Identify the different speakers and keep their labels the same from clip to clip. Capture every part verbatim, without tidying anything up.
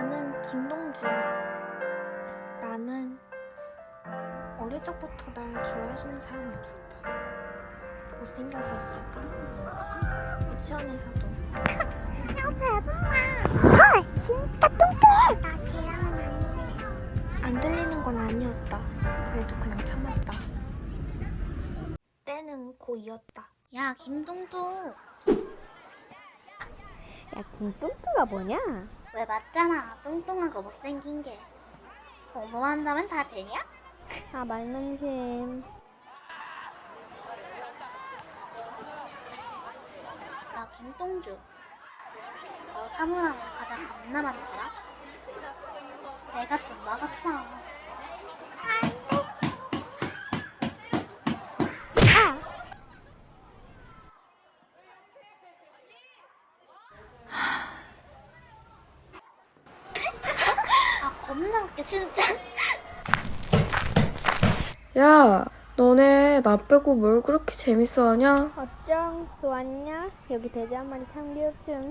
Speaker 1: 나는 김동주야. 나는 어릴 적부터 날 좋아해주는 사람이 없었다. 못생겨서였을까? 유치원에서도
Speaker 2: 헐, 진짜 뚱뚱해. 나 걔랑은 안 어울려.
Speaker 1: 안 들리는 건 아니었다. 그래도 그냥 참았다. 때는 고이었다.
Speaker 2: 야, 김뚱뚱.
Speaker 3: 야, 김뚱뚱가 뭐냐?
Speaker 2: 왜 맞잖아. 뚱뚱하고 못생긴 게. 공부만 한다면 다 되냐?
Speaker 3: 아, 말넘심.
Speaker 2: 나 김동주. 저 사물함에 과자 겁나 많더라. 내가 좀 먹었어.
Speaker 3: 아!
Speaker 2: 아, 겁나 웃겨, 진짜.
Speaker 4: 야, 너네 나 빼고 뭘 그렇게 재밌어하냐?
Speaker 3: 어쩜 좋았냐? 여기 돼지 한 마리 참 귀엽죠?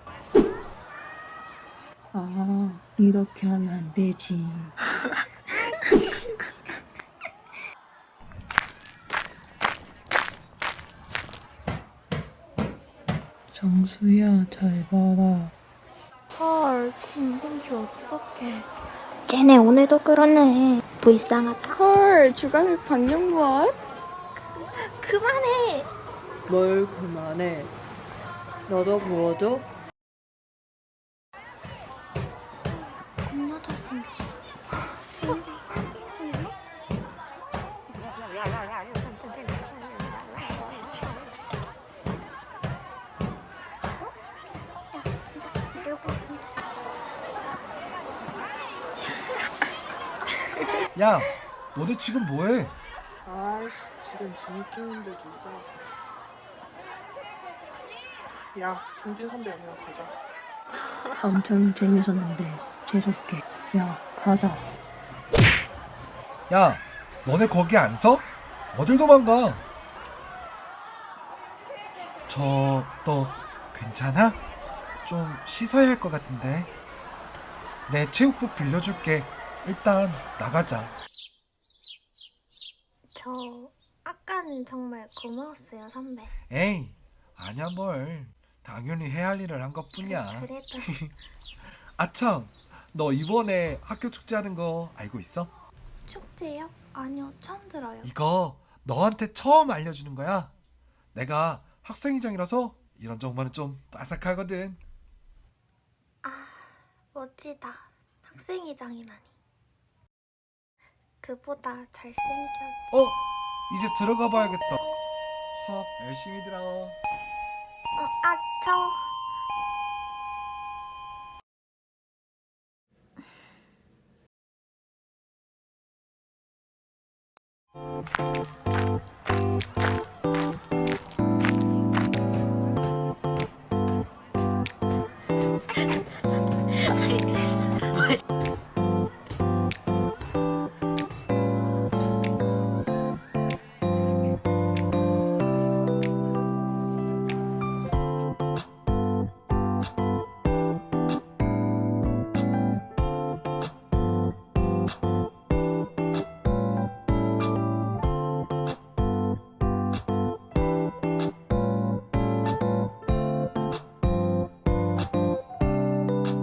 Speaker 5: 아, 이렇게 하면 안 되지. 정수야, 잘 봐라.
Speaker 4: 헐, 김동주 어떡해.
Speaker 2: 쟤네 오늘도 그러네. 불쌍하다.
Speaker 4: 헐, 주강욱 박영무원?
Speaker 1: 그만해!
Speaker 5: 뭘 그만해. 너도 보여줘?
Speaker 1: 겁나 잘생겼어.
Speaker 6: 야, 너네 지금 뭐해?
Speaker 7: 아이씨, 지금 재밌겠는데 누가. 야, 동진 선배 그냥 가자.
Speaker 5: 엄청 재밌었는데 재수없게. 야, 가자.
Speaker 6: 야, 너네 거기 안 서? 어딜 도망가? 저, 너 괜찮아? 좀 씻어야 할 것 같은데. 내 체육복 빌려줄게. 일단 나가자.
Speaker 1: 저 아까는 정말 고마웠어요, 선배.
Speaker 6: 에이, 아냐 뭘. 당연히 해야 할 일을 한 것뿐이야.
Speaker 1: 그래도
Speaker 6: 아참, 너 이번에 학교 축제 하는 거 알고 있어?
Speaker 1: 축제요? 아니요, 처음 들어요.
Speaker 6: 이거 너한테 처음 알려주는 거야. 내가 학생회장이라서 이런 정보는 좀 빠삭하거든.
Speaker 1: 아, 멋지다. 학생회장이라니. 그보다 잘생겨.
Speaker 6: 어? 이제 들어가 봐야겠다. 수업 열심히 들어.
Speaker 1: 어, 아, 저...